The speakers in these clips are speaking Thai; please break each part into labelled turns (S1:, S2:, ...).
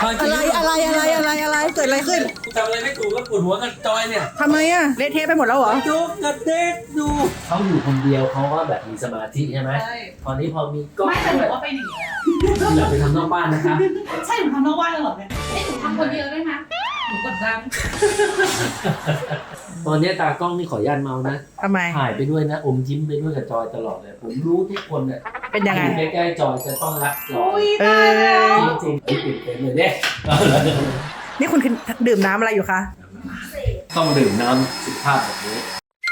S1: อะไรเกิดอะไรขึ้น
S2: ทำอะไรไม่ถูกก็ปวดหัวกับจอยเนี่ย
S1: ทำไมอะเละเทะไปหมดแล้วเหรอ
S2: จุกกระเด็กดูเขาอยู่คนเดียวเขาก็แบบมีสมาธิใช่ไหมตอนนี้พอมีกล้อง
S3: ไม่แต่หนูว่าไปหนีแล้ว
S2: อย่าไปทำนอกบ้านนะคะ
S3: ใช่หนูทำนอกบ้านแล้วเหรอเนี่ยหนูทำคนเดียวได้ไหมหนูกดดัน
S2: ตอนนี้ตากล้องนี่ขออนุญาตเมานะ
S1: ทำไม
S2: ถ่ายไปด้วยนะอมยิ้มไปด้วยกับจอยตลอดเลยผมรู้ทุกคนเนี่ย
S1: เป็นยังไง
S2: อยู่ใกล้ๆจอยจะต้องรักจอย
S1: เออ
S2: จริงๆติดเป็นเลยเนี่ย
S1: นี่คุณดื่มน้ำอะไรอยู่คะ
S2: ต้องดื่มน้ำสุขภาพแบบนี้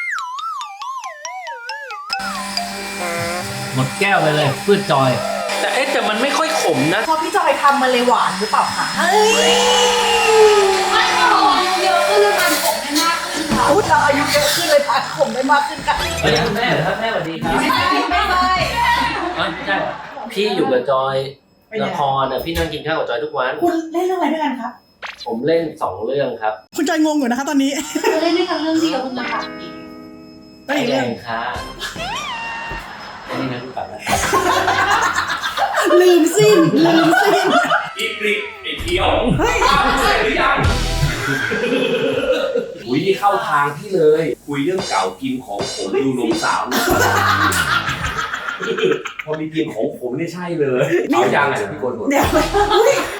S2: หมดแก้วไปเลยเพื่อจอย แต่มันไม่ค่อยขมนะ
S1: พอพี่จอยทำมันเลยหวานหรือเปล่าคะเฮ้ย
S3: ไม่หรอกเยอะขึ้นแล้วมันผมได้มากขึ้นค่ะ
S1: อุ๊ยเราอายุเยอะขึ้นเลยทานขมได้มากขึ้นค่ะ
S2: เฮ้ยคุณแม่เหรอครับแม่สวัสดีครับ
S3: ไม่ใช่
S2: ไม่ใช่พี่อยู่กับจอยละครพี่นั่งกินข้าวกับจอยทุกวัน
S1: คุณเล่นเรื่องอะไรด้วยกันครับ
S2: ผมเล่น2เรื่องครับ
S1: คุณจอยงงอยู่นะคะตอนนี้
S3: เราเล่นด้วยกันเรื่องเดียวคุณจะถามอีก
S1: ไม่
S2: ไอ้
S1: เรื่
S2: แด
S1: อง
S2: งค่ะไอ้นี่นะกูกลับแล้ว
S1: ลืมสิ้น
S4: อีกริกไอ้เขียวใช่หรือยัง
S2: อุ้ยนี่เข้าทางพี่เลย
S4: คุยเรื่องเก่ากินของผมดูนมสาวนะพอมีกินของผมนี่ใช่เลยเอายังไงพี่โกนหมด
S1: เดี๋ยว